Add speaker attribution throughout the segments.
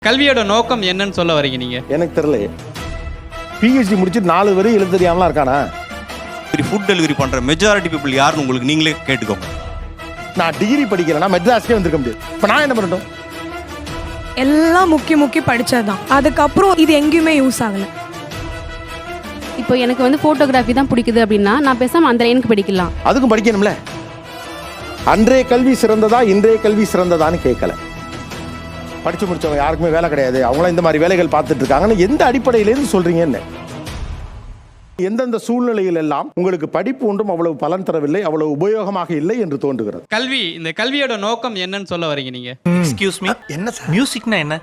Speaker 1: கல்வியோட நோக்கம் என்னன்னு சொல்ல வரீங்க நீங்க?
Speaker 2: எனக்கு தெரியல. பிஹெச்டி முடிச்சு 4 வரை எழுத தெரியாமலாம் இருக்கானா?
Speaker 3: ஃபுட் டெலிவரி பண்ற மெஜாரிட்டி பீப்புள் யாருன்னு உங்களுக்கு நீங்களே கேட்டுக்கோங்க.
Speaker 2: நான் டிகிரி படிக்கலன்னா மெட்ராஸ்க்கே வந்திருக்க முடியாது. இப்போ நான் என்ன பண்ணட்டும்?
Speaker 4: எல்லாம் முக்கி படிச்சதுதான். அதுக்கப்புறம் இது எங்கேயுமே யூஸ் ஆகல.
Speaker 5: இப்போ எனக்கு வந்து போட்டோகிராஃபி தான் பிடிக்குது அப்படின்னா நான் பேசாம அந்த லைனுக்கு படிக்கலாம்.
Speaker 2: அதுக்கும் படிக்கணும்ல. அன்றைய கல்வி சிறந்ததா இன்றைய கல்வி சிறந்ததான்னு கேட்கல. படிச்சு முடிச்சவங்க யாருக்குமே வேலை கிடையாது, அவங்களாம் இந்த மாதிரி வேலைகள் பார்த்துட்டு இருக்காங்கன்னு எந்த அடிப்படையிலேருந்து சொல்றீங்கன்னு? எந்தெந்த சூழ்நிலையில் எல்லாம் உங்களுக்கு படிப்பு ஒன்றும் அவ்வளவு பலன் தரவில்லை, அவ்வளவு உபயோகமாக இல்லை என்று தோன்றுகிறது.
Speaker 1: கல்வி, இந்த கல்வியோட நோக்கம் என்னன்னு சொல்ல வரீங்க நீங்க?
Speaker 6: எக்ஸ்கியூஸ் மீ, என்ன சார் மியூசிக்னா என்ன?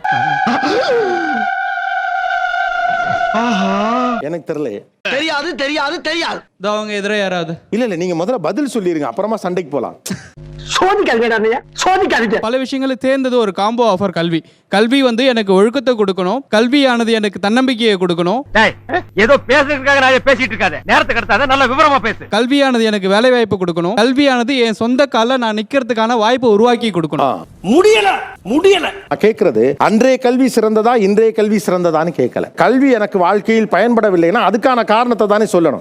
Speaker 2: எனக்கு தெரியல.
Speaker 6: தெரியாது தெரியாது தெரியாது.
Speaker 1: அவங்க எதிர யாராவது
Speaker 2: இல்ல நீங்க முதல்ல பதில் சொல்லிருங்க, அப்புறமா சண்டைக்கு போலாம்.
Speaker 1: பல விஷயங்களுக்கு தேர்ந்தது ஒரு காம்போ ஆஃபர் கல்வி. கல்வி வந்து எனக்கு ஒழுக்கத்தை கொடுக்கணும், கல்வியானது எனக்கு தன்னம்பிக்கையை கொடுக்கணும்.
Speaker 6: ஏதோ பேசுறதுக்காக நான் பேசிட்டு இருக்காத, நேரத்தை கடத்தாத, நல்ல விவரமா பேசு.
Speaker 1: கல்வியானது எனக்கு வேலை வாய்ப்பு கொடுக்கணும், கல்வியானது என் சொந்த கால நான் நிக்கிறதுக்கான வாய்ப்பை உருவாக்கி கொடுக்கணும்.
Speaker 6: முடியல முடியல.
Speaker 2: கேட்கறது அன்றைய கல்வி சிறந்ததா இன்றைய கல்வி சிறந்ததான்னு கேட்கல. கல்வி எனக்கு வாழ்க்கையில் பயன்படவில்லைன்னா அதுக்கான காரணத்தை தானே சொல்லணும்.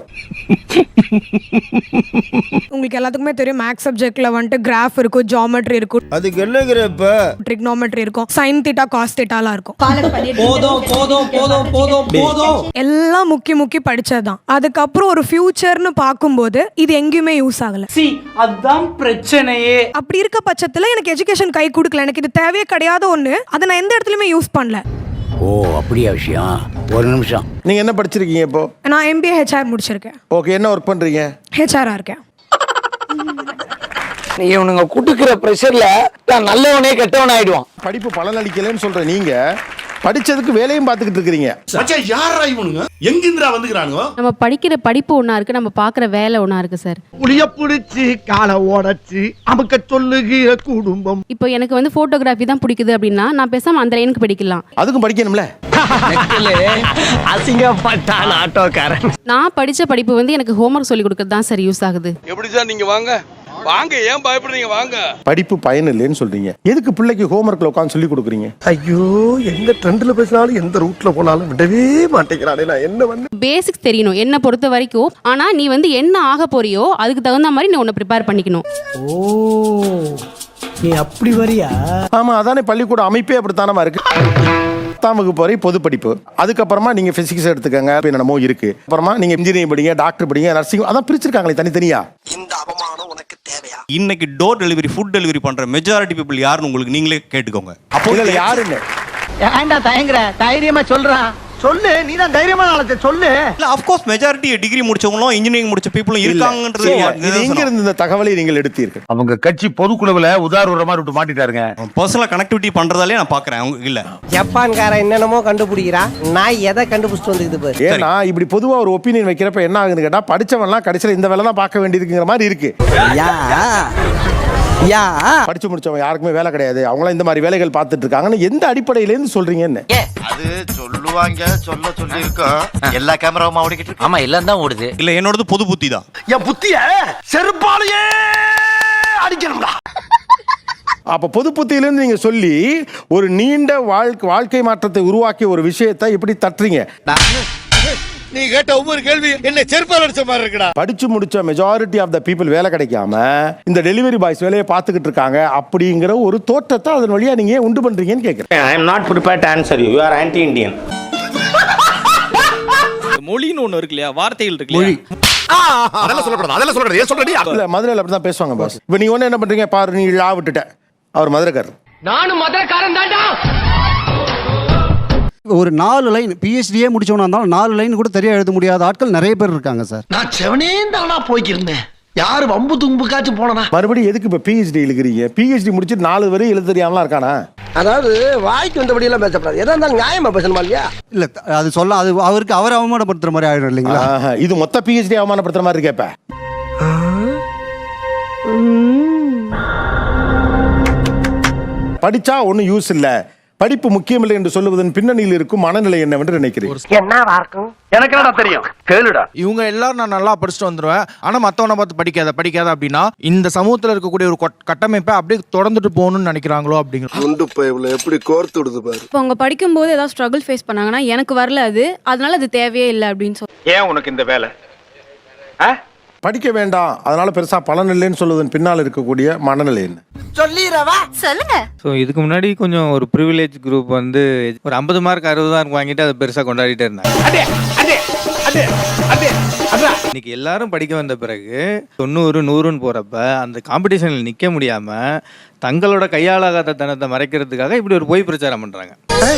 Speaker 4: உங்களுக்கு எல்லாத்துக்குமே தெரியும், மேக்ஸ் சப்ஜெக்ட்ல வந்துட்டு கிராஃப் இருக்கும், ஜியோமெட்ரி இருக்கும்,
Speaker 7: அதுக்கு என்னங்கிறப்ப
Speaker 4: ட்ரிக்னோமெட்ரி இருக்கும், சைன் தீட்டா காஸ் தீட்டாலாம் இருக்கும்.
Speaker 6: போதும் போதும் போதும் போதும் போதும்.
Speaker 4: எல்லாம் முக்கி படிச்சதுதான். அதுக்கப்புறம் ஒரு ஃபியூச்சர்னு பார்க்கும்போது இது எங்கேயுமே யூஸ் ஆகல.
Speaker 6: அதான் பிரச்சனையே.
Speaker 4: அப்படி இருக்க பட்சத்துல எனக்கு எஜுகேஷன் கை கொடுக்கல. எனக்கு இது தேவையே கிடையாத ஒண்ணு. அதை நான் எந்த இடத்துலயுமே யூஸ் பண்ணல.
Speaker 7: ஓ அப்படியா விஷயம்? ஒரு நிமிஷம்.
Speaker 2: நீங்க என்ன படிச்சிருக்கீங்க இப்போ?
Speaker 4: நான் MBA HR முடிச்சிருக்கேன்.
Speaker 2: ஓகே, என்ன ஒர்க் பண்றீங்க?
Speaker 4: HR இருக்கேன்.
Speaker 7: நீ இவனுங்க குடுக்குற பிரஷர்ல நான் நல்லவனே கெட்டவன் ஆயிடுவான்.
Speaker 2: படிப்பு பலன் அளிக்கலன்னு சொல்ற நீங்க படிச்சதுக்கு வேலையும் பார்த்துக்கிட்டு இருக்கீங்க.
Speaker 8: யாரா இவனுங்க? எங்கிந்திரா வந்துக்கிறானுங்க?
Speaker 5: நம்ம படிக்கிற படிப்பு ஒண்ணா இருக்கு, நம்ம பாக்குற வேலை ஒண்ணா இருக்கு சார்.
Speaker 6: புளிய புடிச்சு காலை ஓடச்சு அமுக்க சொல்லுகிற குடும்பம்.
Speaker 5: இப்போ எனக்கு வந்து போட்டோகிராஃபி தான் பிடிக்குது அப்படின்னா நான் பேசாம அந்த லைனுக்கு படிக்கலாம்.
Speaker 2: அதுக்கும் படிக்கணும்ல.
Speaker 6: அசிங்கப்பட்டான் ஆட்டோக்காரன்.
Speaker 5: நான் படிச்ச படிப்பு வந்து எனக்கு ஹோம்வொர்க் சொல்லி கொடுக்கறது தான் சார் யூஸ் ஆகுது.
Speaker 8: எப்படி சார் நீங்க வாங்க வாங்க, ஏன் பயப்படுறீங்க? வாங்க.
Speaker 2: படிப்பு பயன் இல்லைன்னு சொல்றீங்க, எதுக்கு பிள்ளைக்கு ஹோம்வொர்க்ல உட்கார்ந்து சொல்லி கொடுக்குறீங்க?
Speaker 7: ஐயோ, எந்த ட்ரெண்ட்ல பேசினாலும் எந்த ரூட்ல போனாலும் விடவே மாட்டேங்கிறானே. நான் என்ன பண்ண?
Speaker 5: பேசிக்ஸ் தெரியணும் என்ன பொறுத்த வரைக்கும். ஆனா நீ வந்து என்ன ஆக போறியோ அதுக்கு தகுந்த மாதிரி நீ உன்னை ப்ரிப்பேர் பண்ணிக்கணும்.
Speaker 6: ஓ, நீ அப்படி வரியா?
Speaker 2: ஆமா, அதானே பள்ளிக்கூட அமைப்பே அப்படித்தானமா இருக்கு. 10ஆம் வகுப்பு வரை பொது படிப்பு, அதுக்கப்புறமா நீங்க பிசிக்ஸ் எடுத்துக்கங்க, என்னமோ இருக்கு, அப்புறமா நீங்க இன்ஜினியரிங் படிங்க, டாக்டர் படிங்க, நர்சிங், அதான் பிரிச்சிருக்காங்களே தனித்தனியா.
Speaker 6: இந்த அவமானம் உனக்கு தேவையா?
Speaker 3: இன்னைக்கு டோர் டெலிவரி ஃபுட் டெலிவரி பண்ற மெஜாரிட்டி பீப்புள் யாருன்னு உங்களுக்கு நீங்களே கேட்டுக்கோங்க.
Speaker 2: அப்போ இல்ல யாருன்னு
Speaker 6: ஏன்டா தயங்குற? தைரியமா சொல்றா, சொல்லு. நீ தான் தைரியமா நாளை சொல்லு.
Speaker 3: இல்ல, ஆஃப் கோர்ஸ் மெஜாரிட்டி டிகிரி முடிச்சவங்களும் இன்ஜினியரிங் முடிச்ச பீப்புளும் இருக்காங்கன்றது.
Speaker 2: இது எங்க இருந்து இந்த தகவலை நீங்கள் எடுத்தீர்கள்?
Speaker 7: அவங்க கட்சி பொதுக்குழுவுல உதாரணமா விட்டு மாட்டிட்டாருங்க.
Speaker 3: பர்சனலா கனெக்டிவிட்டி பண்றதாலே நான் பாக்குறேன். அவங்க இல்ல
Speaker 9: ஜப்பான்காரன் என்னென்னமோ கண்டுபிடிக்கிறான், நான் எதை கண்டுபிடிச்சிட்டு வந்து பாரு.
Speaker 2: ஏன்னா இப்படி பொதுவா ஒரு ஒப்பீனியன் வைக்கிறப்ப என்ன ஆகுதுன்னு கேட்டா, படிச்சவன்லாம் கடைசியில இந்த வேலை தான் பார்க்க வேண்டியதுங்கிற மாதிரி இருக்கு. படிச்சு முடிச்சவங்க யாருக்குமே வேலை கிடையாது, அவங்களாம் இந்த மாதிரி வேலைகள் பார்த்துட்டு இருக்காங்கன்னு எந்த அடிப்படையிலேருந்து சொல்றீங்கன்னு?
Speaker 8: அது சொல்லுவாங்க, சொல்ல சொல்லி இருக்கோம். எல்லா கேமராவும் ஓடிக்கிட்டு இருக்கு.
Speaker 9: ஆமா, எல்லாம் தான் ஓடுது.
Speaker 3: இல்ல, என்னோடது பொது புத்தி தான்.
Speaker 6: என் புத்திய செருப்பாலேயே அடிக்கணும்டா.
Speaker 2: அப்ப பொது புத்தியிலிருந்து நீங்க சொல்லி ஒரு நீண்ட வாழ்க்கை மாற்றத்தை உருவாக்கிய ஒரு விஷயத்தை எப்படி தட்டுறீங்க?
Speaker 8: நீ கேட்ட ஒவ்வொரு கேள்வி என்ன செருப்பால் அடிச்ச மாதிரி இருக்குடா.
Speaker 2: படிச்சு முடிச்ச மெஜாரிட்டி ஆஃப் த பீப்புள் வேலை கிடைக்காம இந்த டெலிவரி பாய்ஸ் வேலையை பார்த்துக்கிட்டு இருக்காங்க அப்படிங்கிற ஒரு தோற்றத்தை அதன் வழியா நீங்க உண்டு பண்றீங்கன்னு கேட்கிறேன்.
Speaker 9: I am not prepared to answer you. You are anti-Indian.
Speaker 1: மொழின்னு ஒண்ணு இருக்கு இல்லையா, வார்த்தைகள் இருக்கு இல்லையா?
Speaker 8: அதெல்லாம் சொல்லக்கூடாது, அதெல்லாம் சொல்லக்கூடாது. ஏன் சொல்றடி?
Speaker 2: இல்ல, மதுரையில் அப்படிதான் பேசுவாங்க பாஸ். இப்போ நீங்க ஒண்ணு என்ன பண்றீங்க பாரு, நீ லா விட்டுட்ட, அவர் மதுரைக்காரர்.
Speaker 6: நானும் மதுரைக்காரன் தான்டா.
Speaker 10: ஒரு 4 லைன் பிஹெச்டியே முடிச்சவனா இருந்தாலும் 4 லைன் கூட தெரிய எழுத முடியாத ஆட்கள் நிறைய பேர் இருக்காங்க சார்.
Speaker 6: நான் செவனே தானா போய்க்கிருந்தேன். யாரு வம்பு தும்புக்காச்சும் போனா?
Speaker 2: மறுபடியும் எதுக்கு இப்ப பிஹெச்டி எழுதுறீங்க? பிஹெச்டி முடிச்சு 4 வரை எழுத தெரியாமலாம் இருக்கானா?
Speaker 9: அதாவது வாய்க்கு வந்தபடி எல்லாம் பேசப்படாது. எதா இருந்தாலும் நியாயமா பேசணுமா இல்லையா?
Speaker 10: இல்ல, அது சொல்ல அது அவருக்கு அவர் அவமானப்படுத்துற மாதிரி ஆயிடும் இல்லைங்களா?
Speaker 2: இது மொத்த பிஹெச்டி அவமானப்படுத்துற மாதிரி இருக்கேப்ப. படிச்சா ஒன்றும் யூஸ் இல்லை, படிப்பு முக்கியமில்லை என்று சொல்லுவதன் பின்னணியில் இருக்கும் மனநிலை என்னவென்று நினைக்கிறேன்.
Speaker 9: என்னவா இருக்கும்?
Speaker 6: எனக்கு என்னடா தெரியும், கேளுடா.
Speaker 11: இவங்க எல்லாரும் நான் நல்லா படிச்சுட்டு வந்துருவேன், ஆனா மத்தவனை பார்த்து படிக்காத அப்படின்னா இந்த சமூகத்துல இருக்கக்கூடிய ஒரு கட்டமைப்பை அப்படியே தொடர்ந்துட்டு போகணும்னு நினைக்கிறாங்களோ அப்படிங்கிற
Speaker 7: குண்டு பைப்ல எப்படி கோர்த்து விடுது பாரு.
Speaker 5: இப்போ அவங்க படிக்கும்போது ஏதாவது ஸ்ட்ரகிள் ஃபேஸ் பண்ணாங்கன்னா எனக்கு வரல அது, அதனால அது தேவையே இல்லை அப்படின்னு சொல்லி.
Speaker 6: ஏன் உனக்கு இந்த வேலை?
Speaker 2: படிக்க வேண்டாம், அதனால பெருசா பலன் இல்லைன்னு சொல்லுவதன் பின்னால் இருக்கக்கூடிய மனநிலை என்ன?
Speaker 9: சொல்லிரவா சொல்லுங்க.
Speaker 11: ஸோ இதுக்கு முன்னாடி கொஞ்சம் ஒரு ப்ரிவிலேஜ் குரூப் வந்து ஒரு 50 மார்க் 60 மார்க் வாங்கிட்டு அதை பெருசா கொண்டாடிட்டே இருந்தாங்க. இன்னைக்கு எல்லாரும் படிக்க வந்த பிறகு 90 100ன்னு போறப்ப அந்த காம்படிஷனில் நிக்க முடியாம தங்களோட கையாளாகாத தனத்தை மறைக்கிறதுக்காக இப்படி ஒரு பொய் பிரச்சாரம் பண்றாங்க.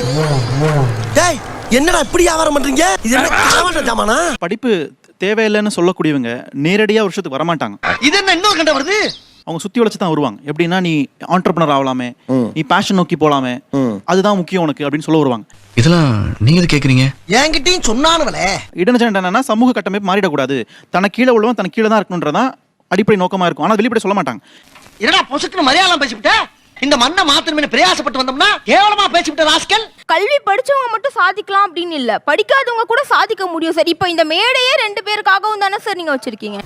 Speaker 7: டேய் என்னடா இப்படி வியாபாரம் பண்றீங்க? இது என்ன காவாட்ட ஜாமானா?
Speaker 11: படிப்பு தேவையில்லைன்னு சொல்லக்கூடியவங்க நேரடியாக வருஷத்துக்கு வரமாட்டாங்க.
Speaker 6: இது என்ன இன்னொரு கண்ட வருது?
Speaker 11: அவங்க சுத்தி வளைச்சு தான் வருவாங்க. எப்படின்னா நீ ஆண்டர்பிரனர் ஆகலாமே, நீ பேஷன் நோக்கி போலாமே, அதுதான் முக்கியம் உனக்கு அப்படின்னு சொல்ல வருவாங்க.
Speaker 8: இதெல்லாம் நீங்க கேக்குறீங்க?
Speaker 7: என்கிட்டயும் சொன்னானுவலே.
Speaker 11: இடனஜெண்டா என்னன்னா சமூக கட்டமைப்பு மாறிடக்கூடாது, தனக்கு கீழே உள்ளவன் தனக்கு கீழே தான் இருக்கணுன்றதான் அடிப்படை நோக்கமா இருக்கும். ஆனா வெளிப்படை சொல்ல மாட்டாங்க.
Speaker 6: என்னடா பொசுக்குன்னு மரியாதை பேசிவிட்ட? இந்த மண்ணை மாத்தணும்னு பிரயாசப்பட்டு வந்தோம்னா கேவலமா பேசிவிட்ட ராஸ்கல்.
Speaker 5: கல்வி படிச்சவங்க மட்டும் சாதிக்கலாம் அப்படின்னு இல்ல, படிக்காதவங்க கூட சாதிக்க முடியும் சார். இப்போ இந்த மேடையே 2 பேருக்காகவும் தானே சார் நீங்க வச்சிருக்கீங்க.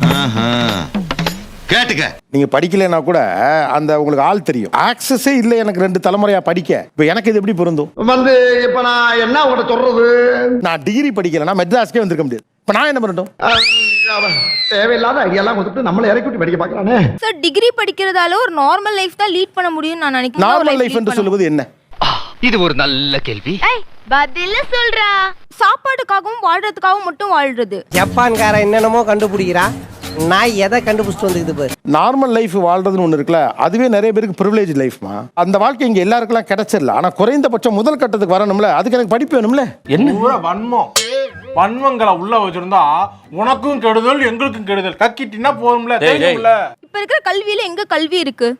Speaker 8: கேட்டுக்க.
Speaker 2: நீங்க படிக்கலைன்னா கூட அந்த உங்களுக்கு ஆள் தெரியும். ஆக்சஸே இல்லை எனக்கு 2 தலைமுறையா படிக்க. இப்போ எனக்கு இது எப்படி பொருந்தும்?
Speaker 6: வந்து இப்ப நான் என்ன உங்கள்கிட்ட சொல்றது?
Speaker 2: நான் டிகிரி படிக்கலைன்னா மெட்ராஸ்க்கே வந்திருக்க முடியாது. இப்போ நான் என்ன பண்ணட்டும்?
Speaker 6: தேவையில்லாத ஐடியாலாம் கொடுத்துட்டு நம்மளை இறக்கி விட்டு படிக்க பார்க்கறானே.
Speaker 5: சார் டிகிரி படிக்கிறதால ஒரு நார்மல் லைஃப் தான் லீட் பண்ண முடியும்னு நான் நினைக்கிறேன்.
Speaker 2: நார்மல் லைஃப் என்று சொல்லுவது என்ன?
Speaker 6: இது ஒரு நல்ல கேள்வி.
Speaker 5: பதில சொல்றா. சாப்பாடுக்காகவும் வாழ்றதுக்காகவும் மட்டும் வாழ்றது.
Speaker 9: ஜப்பான்காரன் என்னென்னமோ கண்டுபிடிக்கிறா, நான் எதை கண்டுபிடிச்சிட்டு வந்துக்குது பாரு.
Speaker 2: நார்மல் லைஃப் வாழ்றதுன்னு ஒன்று இருக்குல்ல, அதுவே நிறைய பேருக்கு ப்ரிவிலேஜ் லைஃப்மா. அந்த வாழ்க்கை இங்கே எல்லாருக்கெல்லாம் கிடைச்சிடல. ஆனால் குறைந்தபட்சம் முதல் கட்டத்துக்கு வரணும்ல, அதுக்கு எனக்கு படிப்பு வேணும்ல.
Speaker 11: என்ன வன்மங்களை உள்ள வச்சிருந்தா உனக்கும் கெடுதல் எங்களுக்கும் கெடுதல். கக்கிட்டினா போதும்ல.
Speaker 5: இப்ப இருக்கிற கல்வியில எங்க கல்வி இருக்கு?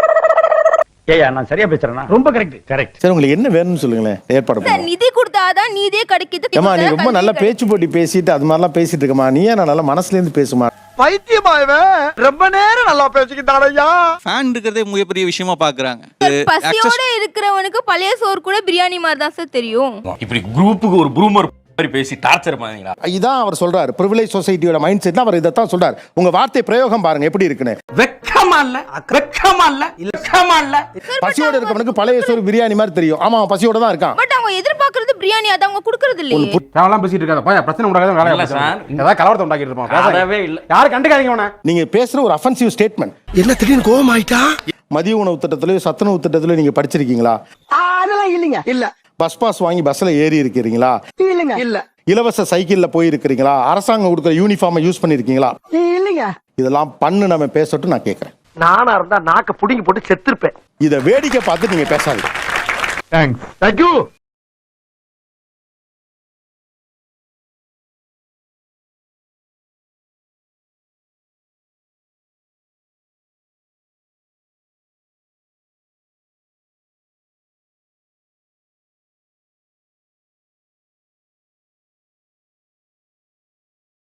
Speaker 6: ஏயா நான் சரியா பேசுறேனா? ரொம்ப கரெக்ட்.
Speaker 2: சரி, உங்களுக்கு என்ன வேணும்னு சொல்லுங்களேன், ஏற்பாடு
Speaker 5: சார்
Speaker 2: பண்ணுங்க.
Speaker 5: நிதி கொடுத்தாதான் நீதியே கிடைக்குது.
Speaker 2: ஏமா நீ ரொம்ப நல்லா பேச்சு போட்டி பேசிட்டு அது மாதிரிலாம் பேசிட்டு இருக்கமா, நீ ஏன் நான் நல்லா மனசுல இருந்து பேசுமா?
Speaker 6: பைத்தியமாயவே ரொம்ப நேரம் நல்லா பேசிக்கிட்டாரையா.
Speaker 3: ஃபேன் இருக்கிறதே மிகப்பெரிய விஷயமா பாக்குறாங்க.
Speaker 5: பசியோட இருக்கிறவனுக்கு பழைய சோறு கூட பிரியாணி மாதிரி தான் சார் தெரியும்.
Speaker 11: இப்படி குரூப்புக்கு ஒரு ப்ரூமர் பேசி டார்ச்சர் பண்ணீங்களா?
Speaker 2: இதான் அவர் சொல்றாரு. பிரிவிலேஜ் சொசைட்டியோட மைண்ட் செட் அவர் இதைத்தான் சொல்றாரு. உங்க வார்த்தை பிரயோகம் பாருங்க எப்படி இருக்குன்னு.
Speaker 6: வெக்கமா இல்ல.
Speaker 2: பசியோட இருக்கவனுக்கு பழைய சோறு பிரியாணி மாதிரி தெரியும். ஆமா, அவன் பசியோட தான் இருக்கான்.
Speaker 5: பட் அவங்க எதிர்பார்க்கறது பிரியாணி, அது அவங்க கொடுக்கறது இல்லையே.
Speaker 11: தேவலாம் பேசிட்டு இருக்காத பையா, பிரச்சனை உண்டாகாத வேலை இல்ல சார். ஏதாவது கலவரத்தை உண்டாக்கிட்டு இருப்பான். பேசவே இல்ல. யாரும் கண்டுக்காதீங்க அவனை.
Speaker 2: நீங்க பேசுற ஒரு அஃபென்சிவ் ஸ்டேட்மெண்ட்.
Speaker 7: என்ன திடீர்னு கோவம் ஆயிட்டா?
Speaker 2: மதிய உணவு திட்டத்திலயோ சத்துணவு திட்டத்திலயோ நீங்க படிச்சிருக்கீங்களா?
Speaker 6: அதெல்லாம் இல்லைங்க. இல்ல.
Speaker 2: பஸ் பாஸ் வாங்கி பஸ்ல ஏறி இருக்கிறீங்களா?
Speaker 6: இல்லைங்க. இல்ல.
Speaker 2: இலவச சைக்கிள்ல போய் இருக்கிறீங்களா? அரசாங்கம் கொடுக்குற யூனிஃபார்மை யூஸ் பண்ணிருக்கீங்களா?
Speaker 6: இல்லைங்க.
Speaker 2: இதெல்லாம் பண்ணு நம்ம பேசட்டும் நான் கேட்கறேன்.
Speaker 6: நானா இருந்தா நாக்க புடிங்கி போட்டு செத்துருப்பேன்.
Speaker 2: இதை வேடிக்கை பார்த்து நீங்க பேசாதீங்க.
Speaker 6: தேங்க்யூ.